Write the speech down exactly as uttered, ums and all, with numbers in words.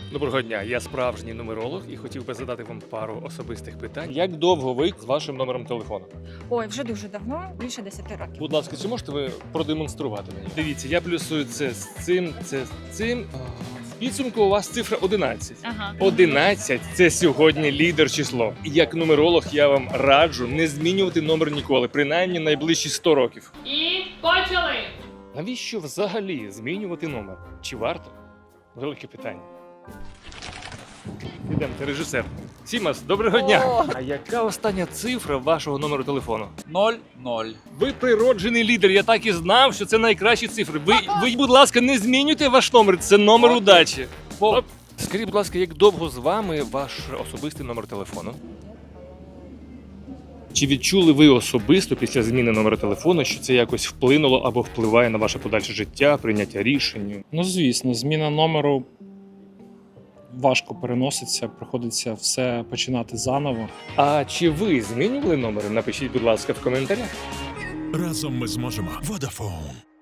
Доброго дня, я справжній нумеролог і хотів би задати вам пару особистих питань. Як довго ви з вашим номером телефону? Ой, вже дуже давно, більше десяти років. Будь ласка, чи можете ви продемонструвати мені? Дивіться, я плюсую це з цим, це з цим. В підсумку у вас цифра одинадцять. Ага. одинадцять – це сьогодні лідер число. Як нумеролог я вам раджу не змінювати номер ніколи, принаймні найближчі сто років. І почали! Навіщо взагалі змінювати номер? Чи варто? Велике питання. Ідемте, режисер. Сімас, доброго дня! А яка остання цифра вашого номеру телефону? Ноль ноль. Ви природжений лідер, я так і знав, що це найкращі цифри. Ви, ви будь ласка, не змінюйте ваш номер, це номер удачі. Оп. Скажіть, будь ласка, як довго з вами ваш особистий номер телефону? Чи відчули ви особисто після зміни номера телефону, що це якось вплинуло або впливає на ваше подальше життя, прийняття рішень? Ну, звісно, зміна номеру важко переноситься, приходиться все починати заново. А чи ви змінювали номери? Напишіть, будь ласка, в коментарях. Разом ми зможемо. Vodafone.